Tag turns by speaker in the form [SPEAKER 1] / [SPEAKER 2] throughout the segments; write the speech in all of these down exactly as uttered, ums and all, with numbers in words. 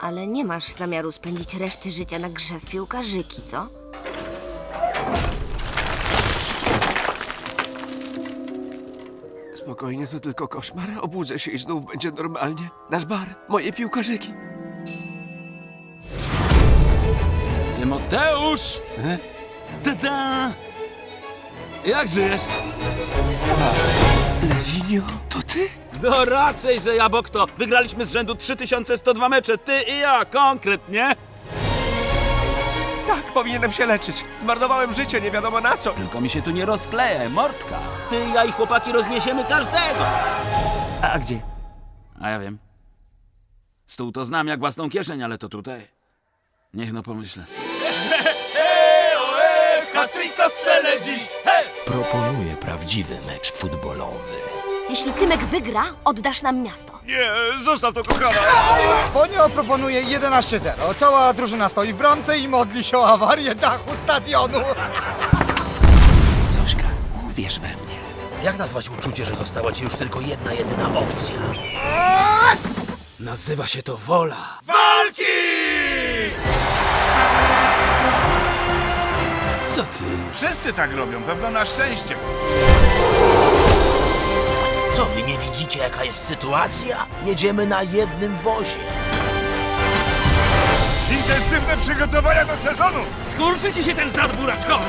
[SPEAKER 1] Ale nie masz zamiaru spędzić reszty życia na grze w piłkarzyki, co?
[SPEAKER 2] Spokojnie, to tylko koszmar. Obudzę się i znów będzie normalnie. Nasz bar, moje piłkarzyki.
[SPEAKER 3] Tymoteusz! Tada! Jak żyjesz?
[SPEAKER 2] Lewinio, to ty?
[SPEAKER 3] No raczej, że ja, bo kto? Wygraliśmy z rzędu trzy tysiące sto dwa mecze, ty i ja, konkretnie.
[SPEAKER 2] Tak, powinienem się leczyć. Zmarnowałem życie, nie wiadomo na co.
[SPEAKER 3] Tylko mi się tu nie rozkleja, mordka. Ty, ja i chłopaki rozniesiemy każdego.
[SPEAKER 2] A gdzie?
[SPEAKER 3] A ja wiem. Stół to znam jak własną kieszeń, ale to tutaj. Niech no pomyślę.
[SPEAKER 4] Hat-tricka strzelę dziś! Hej!
[SPEAKER 5] Proponuję prawdziwy mecz futbolowy.
[SPEAKER 1] Jeśli Tymek wygra, oddasz nam miasto.
[SPEAKER 4] Nie, zostaw to, kochana!
[SPEAKER 6] Ponio proponuje jedenaście zero. Cała drużyna stoi w bramce i modli się o awarię dachu stadionu.
[SPEAKER 5] Zośka, uwierz we mnie. Jak nazwać uczucie, że została ci już tylko jedna, jedyna opcja? Nazywa się to wola.
[SPEAKER 4] Walki!
[SPEAKER 5] Co ty?
[SPEAKER 4] Wszyscy tak robią, pewno na szczęście.
[SPEAKER 5] Co wy nie widzicie, jaka jest sytuacja? Jedziemy na jednym wozie.
[SPEAKER 4] Intensywne przygotowania do sezonu!
[SPEAKER 3] Skurczy ci się ten zad buraczkowy!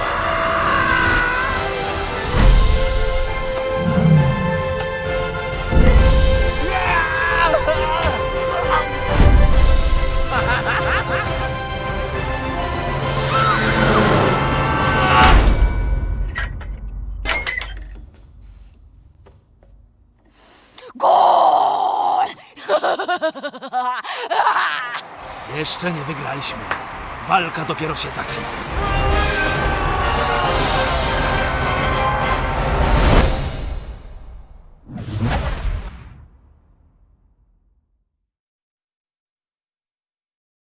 [SPEAKER 1] Gol!
[SPEAKER 3] Jeszcze nie wygraliśmy. Walka dopiero się zaczyna.